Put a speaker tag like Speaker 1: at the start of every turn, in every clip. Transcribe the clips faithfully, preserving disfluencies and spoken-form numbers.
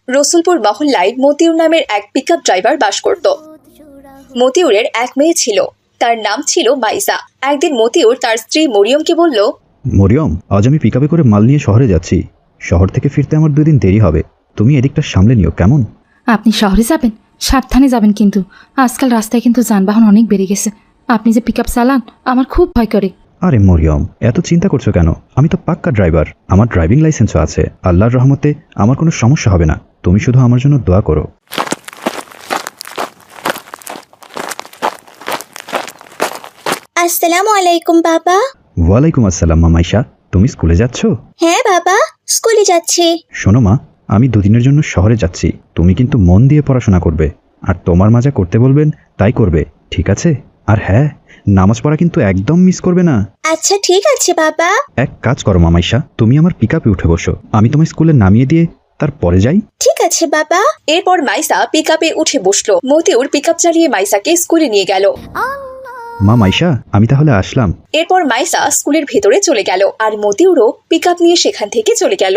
Speaker 1: রসুলপুর মহল্লায় মতিউর নামের এক পিকআপ ড্রাইভার বাস করত। মতিউরের এক মেয়ে ছিল, তার নাম ছিল মাইসা। একদিন মতিউর তার স্ত্রী মরিয়মকে বলল,
Speaker 2: মরিয়ম, আজ আমি পিকআপে করে মাল নিয়ে শহরে যাচ্ছি। শহর থেকে ফিরতে আমার দুদিন দেরি হবে, তুমি এদিকটা সামলে নিও, কেমন?
Speaker 3: আপনি শহরে যাবেন, সাবধানে যাবেন, কিন্তু আজকাল রাস্তায় কিন্তু যানবাহন অনেক বেড়ে গেছে। আপনি যে পিকআপ চালান, আমার খুব ভয় করে।
Speaker 2: আরে মরিয়ম, এত চিন্তা করছো কেন? আমি তো পাক্কা ড্রাইভার, আমার ড্রাইভিং লাইসেন্সও আছে। আল্লাহর রহমতে আমার কোনো সমস্যা হবে না। তুমি শুধু আমার জন্য দোয়া করো।
Speaker 4: আসসালামু আলাইকুম বাবা।
Speaker 2: ওয়ালাইকুম আসসালাম। মা মাইশা, তুমি স্কুলে যাচ্ছ?
Speaker 4: হ্যাঁ বাবা, স্কুলে যাচ্ছি।
Speaker 2: শোনো মা, আমি দুদিনের জন্য শহরে যাচ্ছি। তুমি কিন্তু মন দিয়ে পড়াশোনা করবে, আর তোমার মা যা করতে বলবেন তাই করবে, ঠিক আছে? আর হ্যাঁ, নামাজ পড়া কিন্তু একদম মিস করবে না।
Speaker 4: আচ্ছা ঠিক আছে বাবা।
Speaker 2: এক কাজ করো মা মাইশা, তুমি আমার পিকআপে উঠে বসো, আমি তোমার স্কুলে নামিয়ে দিয়ে তারপরে যাই।
Speaker 4: ঠিক আছে বাবা।
Speaker 1: এরপর মাইসা পিকআপে উঠে বসলো। মতিউর পিকআপ চালিয়ে মাইসাকে স্কুলে নিয়ে গেল।
Speaker 2: মা মাইশা, আমি তাহলে আসলাম।
Speaker 1: এরপর মাইসা স্কুলের ভেতরে চলে গেল, আর মতিউরও পিকআপ নিয়ে সেখান থেকে চলে গেল।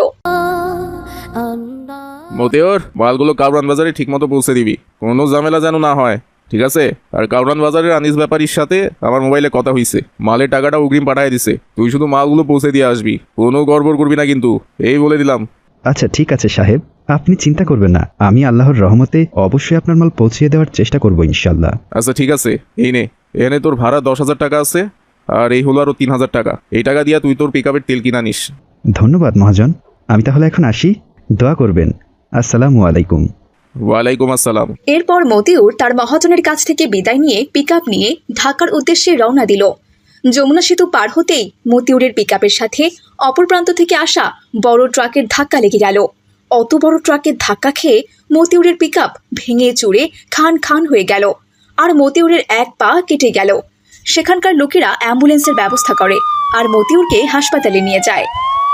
Speaker 5: মতিউর, মালগুলো কাউরান বাজারে ঠিক মতো পৌঁছে দিবি, কোনো ঝামেলা যেন না হয়, ঠিক আছে? আর কাউরান বাজারের আনিস ব্যাপারীর সাথে আমার মোবাইলে কথা হইছে, মালের টাকাটা অগ্রিম পাঠিয়ে দিছে। তুই শুধু মালগুলো পৌঁছে দিয়ে আসবি, কোনো গড়বড় করবি না কিন্তু, এই বলে দিলাম।
Speaker 2: আচ্ছা ঠিক আছে সাহেব, আপনি চিন্তা করবেন না, আমি আল্লাহর রহমতে অবশ্যই আপনার মাল পৌঁছিয়ে দেওয়ার চেষ্টা করবো ইনশাল্লাহ।
Speaker 5: আচ্ছা ঠিক আছে, এই নে, এখানে তোর ভাড়া দশ হাজার টাকা আছে, আর এই হলো আরো তিন হাজার টাকা। এই টাকা দিয়া তুই তোর পিকআপের তেল কিনা নিস।
Speaker 2: ধন্যবাদ মহাজন, আমি তাহলে এখন আসি, দোয়া করবেন। আসসালামু আলাইকুম।
Speaker 5: ওয়ালাইকুম আসসালাম।
Speaker 1: এরপর মতিউর তার মহাজনের কাছ থেকে বিদায় নিয়ে পিকআপ নিয়ে ঢাকার উদ্দেশ্যে রওনা দিল। যমুনা সেতু পার হতেই মতিউরের পিকআপের সাথে অপর প্রান্ত থেকে আসা বড় ট্রাকের ধাক্কা লেগে গেল। অত বড় ট্রাকের ধাক্কা খেয়ে মতিউরের পিকআপ ভেঙে চুরে খান খান হয়ে গেল, আর মতিউরের এক পা কেটে গেল। সেখানকার লোকেরা অ্যাম্বুলেন্সের ব্যবস্থা করে আর মতিউরকে হাসপাতালে নিয়ে যায়।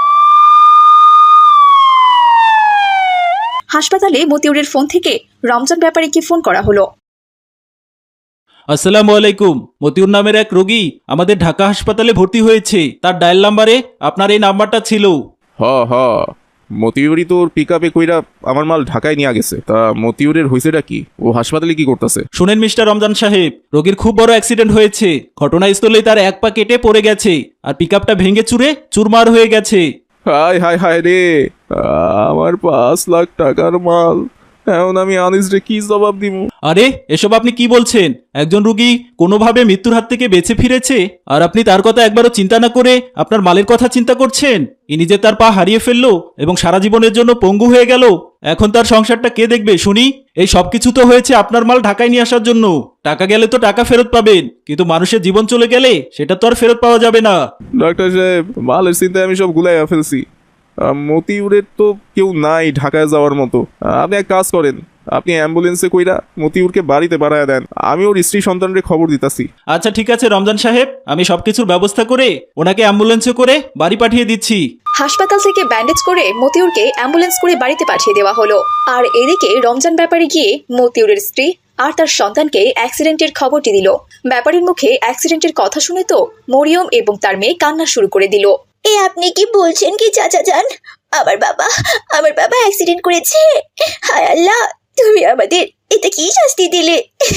Speaker 1: হাসপাতালে মতিউরের ফোন থেকে রমজান ব্যাপারীকে ফোন করা হলো।
Speaker 6: আসসালামু আলাইকুম, মতিউর নামের এক রোগী আমাদের ঢাকা হাসপাতালে ভর্তি হয়েছে। তার ডায়াল নাম্বারে আপনার এই নাম্বারটা ছিল।
Speaker 5: হ হ মতিউরই তোর পিকআপে কইরা আমার মাল ঢাকায় নিয়ে গেছে। তা মতিউরের হয়েছেটা কি? ও হাসপাতালে কি করতেছে?
Speaker 6: শুনেন মিস্টার রমজান সাহেব, রোগীর খুব বড় অ্যাক্সিডেন্ট হয়েছে। ঘটনাস্থলেই তার এক পা কেটে পড়ে গেছে, আর পিকআপটা ভেঙে চুরে চুরমার হয়ে গেছে।
Speaker 5: হায় হায় হায় রে, আমার পাঁচ লাখ টাকার মাল, এখন আমি আনিসরে কি জবাব দিব?
Speaker 6: আরে এসব আপনি কি বলছেন? একজন রোগী কোনোভাবে মৃত্যুর হাত থেকে বেঁচে ফিরেছে, আর আপনি তার কথা একবারও চিন্তা না করে আপনার মালের কথা চিন্তা করছেন। ইনি যে তার পা হারিয়ে ফেললো এবং সারা জীবনের জন্য পঙ্গু হয়ে গেল, এখন তার সংসারটা কে দেখবে শুনি? এই সবকিছু তো হয়েছে আপনার মাল ঢাকায় নিয়ে আসার জন্য। টাকা গেলে তো টাকা ফেরত পাবেন, কিন্তু মানুষের জীবন চলে গেলে সেটা তো আর ফেরত পাওয়া যাবে না।
Speaker 5: ডাক্তার সাহেব, মালের চিন্তায় আমি সব গুলাইয়া ফেলছি। মতিউরের তো কেউ নাই ঢাকায় যাওয়ার মতো। আপনি এক কাজ করেন, আপনি অ্যাম্বুলেন্সে কইরা মতিউরকে বাড়িতে বাড়ায় দেন, আমি ওর স্ত্রী সন্তানরে খবর দিতাছি।
Speaker 6: আচ্ছা ঠিক আছে রমজান সাহেব, আমি সবকিছুর ব্যবস্থা করে ওনাকে অ্যাম্বুলেন্সে করে বাড়ি পাঠিয়ে দিচ্ছি।
Speaker 1: হাসপাতাল থেকে ব্যান্ডেজ করে মতিউরকে অ্যাম্বুলেন্স করে বাড়িতে পাঠিয়ে দেওয়া হলো। আর এদিকে রমজান ব্যাপারী গিয়ে মতিউরের স্ত্রী আর তার সন্তানকে অ্যাক্সিডেন্টের খবরটি দিল। ব্যাপারীর মুখে অ্যাক্সিডেন্টের কথা শুনে তো মরিয়ম এবং তার মেয়ে কান্না শুরু করে দিল।
Speaker 4: এ আপনি কি বলছেন কি চাচা যান? আমার বাবা আমার বাবা অ্যাক্সিডেন্ট করেছে। হায় আল্লাহ, তুমি আমাদের এটা কি শাস্তি দিলে?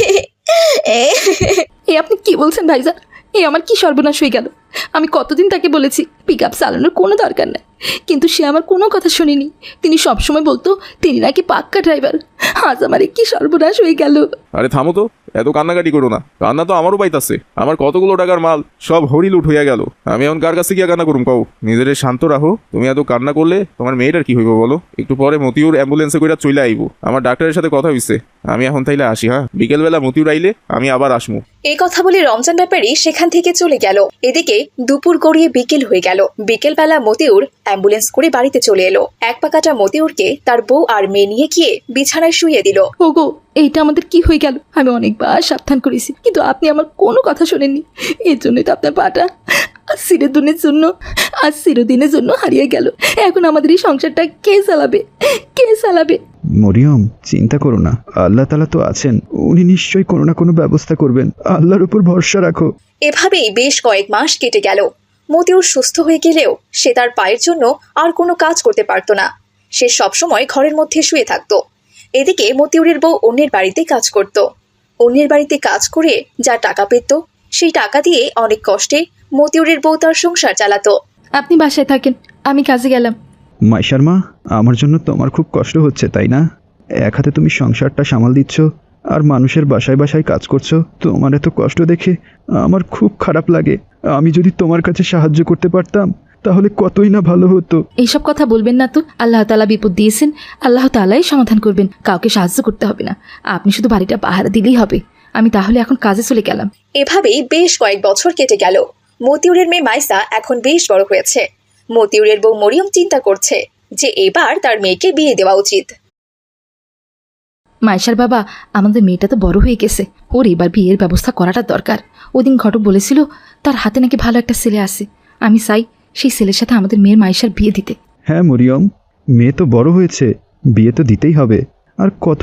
Speaker 3: এ আপনি কি বলছেন ভাইজান? এ আমার কি সর্বনাশ হয়ে গেল! আমি কতদিন তাকে বলেছি পিকআপ চালানোর কোনো দরকার নেই, কিন্তু সে আমার কোনো কথা শুনিনি। তিনি সবসময় বলতো তিনি নাকি পাক্কা ড্রাইভার। আজ আমার কি সর্বনাশ হয়ে গেল!
Speaker 5: আরে থামো তো, এত কান্নাকাটি করো না। কান্না তো আমারও পাইতাছে, আমার কতগুলো টাকার মাল সব হরিলুট হইয়া গেল। আমি এখন কার কাছে গিয়া কান্না করুম কও? নিজের শান্ত রাখো। তুমি এত কান্না করলে তোমার মেয়েটার কি হইব বলো? একটু পরে মতিউর অ্যাম্বুলেন্সে কইরা চলে আইব। আমার ডাক্তারের সাথে কথা হইছে, আমি এখন তাইলে আসি। হ্যাঁ, বিকেলবেলা মতিউর আইলে আমি আবার আসমু।
Speaker 1: এই কথা বলে রমজান ব্যাপারী সেখান থেকে চলে গেল। এদিকে দুপুর গড়িয়ে বিকেল হয়ে গেল। বিকেলবেলা মতিউর অ্যাম্বুলেন্স করে বাড়িতে চলে এলো। এক পাকাটা মতিউরকে তার বউ আর মেয়ে নিয়ে গিয়ে বিছানায় শুইয়ে দিল।
Speaker 3: ওগো, এইটা আমাদের কি হয়ে গেল? আমি অনেকবার সাবধান করেছি, কিন্তু আপনি আমার কোনো কথা শোনেননি। এর জন্যই তো আপনার পাটা আজ চিরদিনের জন্য আজ চিরদিনের জন্য হারিয়ে গেল। এখন আমাদের এই সংসারটা কে চালাবে? কে চালাবে?
Speaker 2: মরিয়ম, চিন্তা করো না, আল্লাহ তাআলা তো আছেন, উনি নিশ্চয়ই কোনো না কোনো ব্যবস্থা করবেন। আল্লাহর উপর ভরসা রাখো।
Speaker 1: এভাবেই বেশ কয়েক মাস কেটে গেল। মতিউর সুস্থ হয়ে গেলেও সে তার পায়ের জন্য আর কোনো কাজ করতে পারত না। সে সবসময় ঘরের মধ্যে শুয়ে থাকতো। এদিকে মতিউরের বউ অন্যের বাড়িতে কাজ করত। অন্যের বাড়িতে কাজ করে যা টাকা পেত সেই টাকা দিয়ে অনেক কষ্টে মতিউরের বউ তার সংসার চালাতো।
Speaker 3: আপনি বাসায় থাকেন, আমি কাজে গেলাম।
Speaker 2: মাইশার মা, আমার জন্য তোমার খুব কষ্ট হচ্ছে তাই না? এক হাতে তুমি সংসারটা সামাল দিচ্ছ আর মানুষের বাসায় বাসায় কাজ করছো। তোমার এত কষ্ট দেখে আমার খুব খারাপ লাগে। আমি যদি তোমার কাছে সাহায্য করতে পারতাম তাহলে কতই না ভালো হতো।
Speaker 3: এইসব কথা বলবেন না তো। আল্লাহ তাআলা বিপদ দিয়েছেন, আল্লাহ তাআলাই সমাধান করবেন। কাউকে সাহায্য করতে হবে না, আপনি শুধু বাড়িটা পাহারা দিলেই হবে। আমি তাহলে এখন কাজে চলে গেলাম।
Speaker 1: এভাবেই বেশ কয়েক বছর কেটে গেল। মতিউরের মেয়ে মাইসা এখন বেশ বড় হয়েছে। মতিউরের বউ মরিয়ম চিন্তা করছে যে এবার তার মেয়েকে বিয়ে দেওয়া উচিত।
Speaker 3: মাইশার বাবা, আমাদের মেয়েটা তো বড় হয়ে গেছে, ওর এবার বিয়ের ব্যবস্থা করাটা দরকার। ওদিন ঘটক বলেছিল তার হাতে নাকি ভালো একটা ছেলে আছে। আমি চাই সেই ছেলের সাথে আমাদের মেয়ের মাইশার বিয়ে দিতে।
Speaker 2: হ্যাঁ মরিয়ম, মেয়ে তো বড় হয়েছে, বিয়ে তো দিতেই হবে। আর কত